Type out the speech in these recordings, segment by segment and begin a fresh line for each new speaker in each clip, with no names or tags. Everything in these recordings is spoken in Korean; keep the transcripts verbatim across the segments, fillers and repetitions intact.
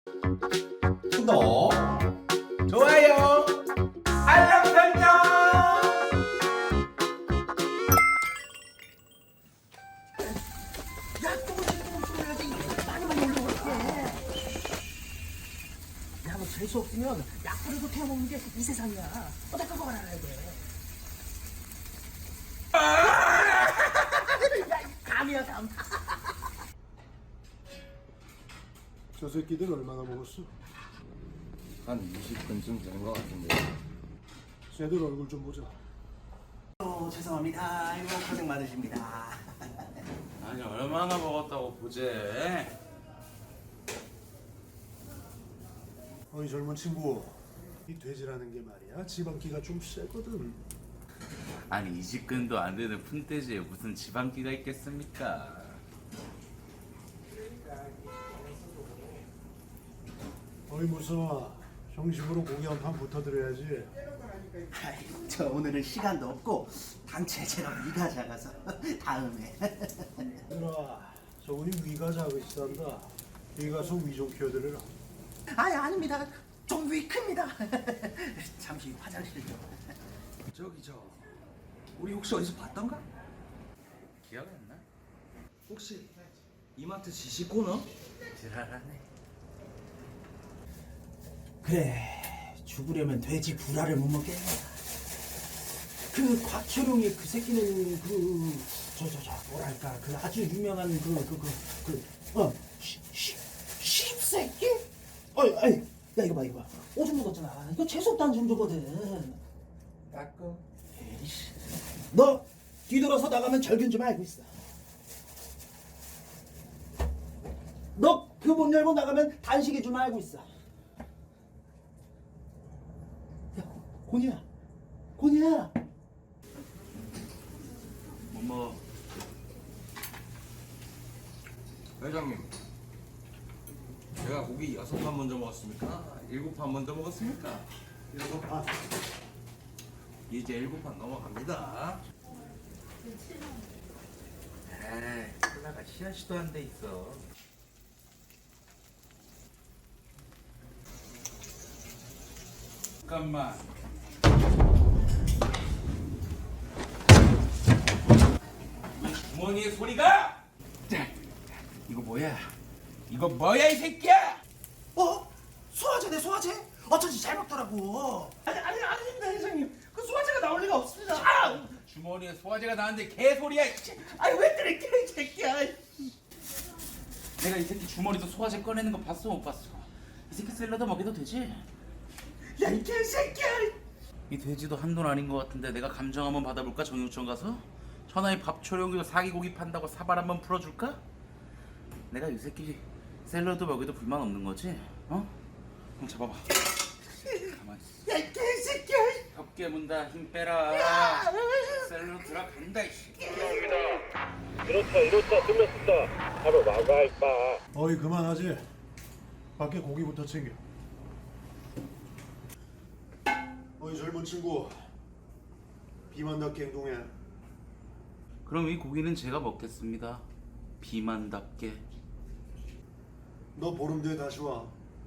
구독, 좋아요, 알람 설정.
야, 조금씩 조금씩 올려야지. 많이 많이 올려볼게. 야, 너 재수 없으면 약불에도 태워 먹는 게 이 세상이야. 어다 그거 알아야 돼. 야, 감이야 감.
저 새끼들 얼마나 먹었어?
한 이십 분쯤 되는 것 같은데.
쟤들 얼굴 좀 보자.
어, 죄송합니다. 아이고 고생 많으십니다.
아니 얼마나 먹었다고 보제?
어이 젊은 친구, 이 돼지라는 게 말이야 지방기가 좀 세거든.
아니 이십 근도 안 되는 푼돼지에 무슨 지방기가 있겠습니까?
어이 무서워, 정식으로 고기 한 판 붙어드려야지.
아이, 저 오늘은 시간도 없고 단체 제가 위가 작아서 다음에.
얘들아, 저분이 위가 작으시단다. 여기 가서 위 좀 키워드려라.
아니 아닙니다. 좀 위 큽니다. 잠시 화장실 좀.
저기 저 우리 혹시 어디서 봤던가?
기억 안 나?
혹시 이마트 지시 코너?
지랄하네.
그래, 죽으려면 돼지 불알을 못 먹겠네. 그 곽철용이 그 새끼는 그 저 저 저 뭐랄까 그 아주 유명한 그 그 그그어 십새끼? 어이 어이 야 이거 봐 이거 봐 오줌 묻었잖아. 이거 재수없다는 정도거든.
닦어.
에이씨, 너 뒤돌아서 나가면 절균 좀 알고 있어. 너 그 문 열고 나가면 단식이 좀 알고 있어. 야, 곤이야, 곤이야.
뭐뭐
회장님, 제가 고기 여섯 판 먼저 먹었습니까? 일곱 판 먼저 먹었습니까?
일곱 판.
이제 일곱 판 넘어갑니다.
에이 콜라가 씨앗이도 안 돼 있어. 잠깐만. 이 주머니에 소리가? 자, 이거 뭐야? 이거 뭐야 이 새끼야?
어? 소화제네 소화제? 어쩐지 잘 먹더라고. 아니 아니 아닙니다 회장님. 그 소화제가 나올 리가 없습니다. 아,
주머니에 소화제가 나는데 개소리야. 이씨.
아니 왜 그래 이 새끼야.
내가 이 새끼 주머니에서 소화제 꺼내는 거 봤어 못 봤어? 이 새끼 샐러드 먹여도 되지?
야 이 개새끼야.
이 돼지도 한돈 아닌 것 같은데 내가 감정 한번 받아볼까? 정육점 가서? 천하의 밥초령이고 사기고기 판다고 사발 한번 풀어줄까? 내가 이 새끼 샐러드 먹여도 불만 없는 거지? 어? 그럼 잡아봐. 가만히 있어.
야 이 개새끼야.
벽 깨문다. 힘 빼라. 샐러드 들어간다 이씨.
이렇다 이렇다 끝났습니다. 바로 나가 임마.
어이 그만하지. 밖에 고기부터 챙겨. 어이 젊은 친구, 비만답게 행동해.
그럼 이 고기는 제가 먹겠습니다. 비만답게.
너 보름 뒤에 다시 와.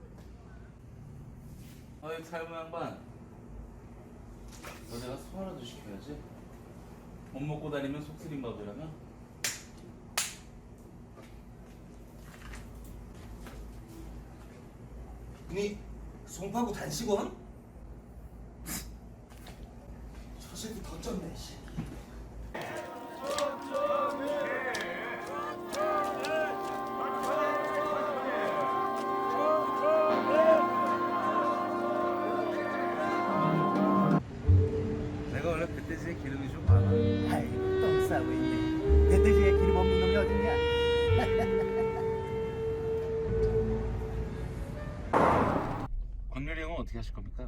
어이 살모 양반. 너 내가 소화라도 시켜야지. 못 먹고 다니면 속쓰림 밥이라면.
니 송파구 단식원?
저 새끼 더 쪘네. 씨.
내가 원래 멧돼지에 기름이 좀 많아.
아이고 똥 싸고 있네. 멧돼지에 기름 없는 놈이 어딨냐?
권율이 형은 어떻게 하실 겁니까?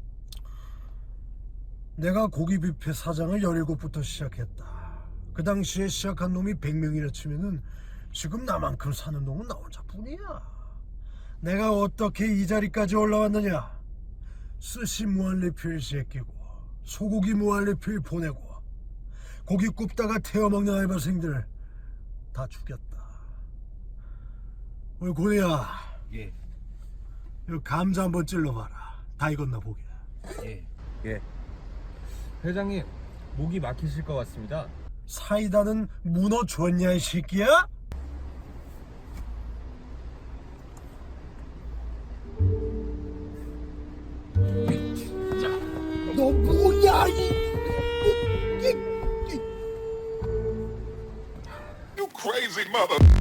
내가 고기 뷔페 사장을 열일곱부터 시작했다. 그 당시에 시작한 놈이 백 명이라 치면은 지금 나만큼 사는 놈은 나 혼자뿐이야. 내가 어떻게 이 자리까지 올라왔느냐? 스시 무한리필 제끼고 소고기 무한리필 보내고 고기 굽다가 태워먹는 알바생들 다 죽였다. 우리 고니야,
예.
이 감자 한번 찔러봐라. 다 익었나 보게.
예.
예. 회장님, 목이 막히실 것 같습니다.
사이다는 문어 줬냐 이 새끼야?
진짜.
너 뭐야 이?
You crazy mother.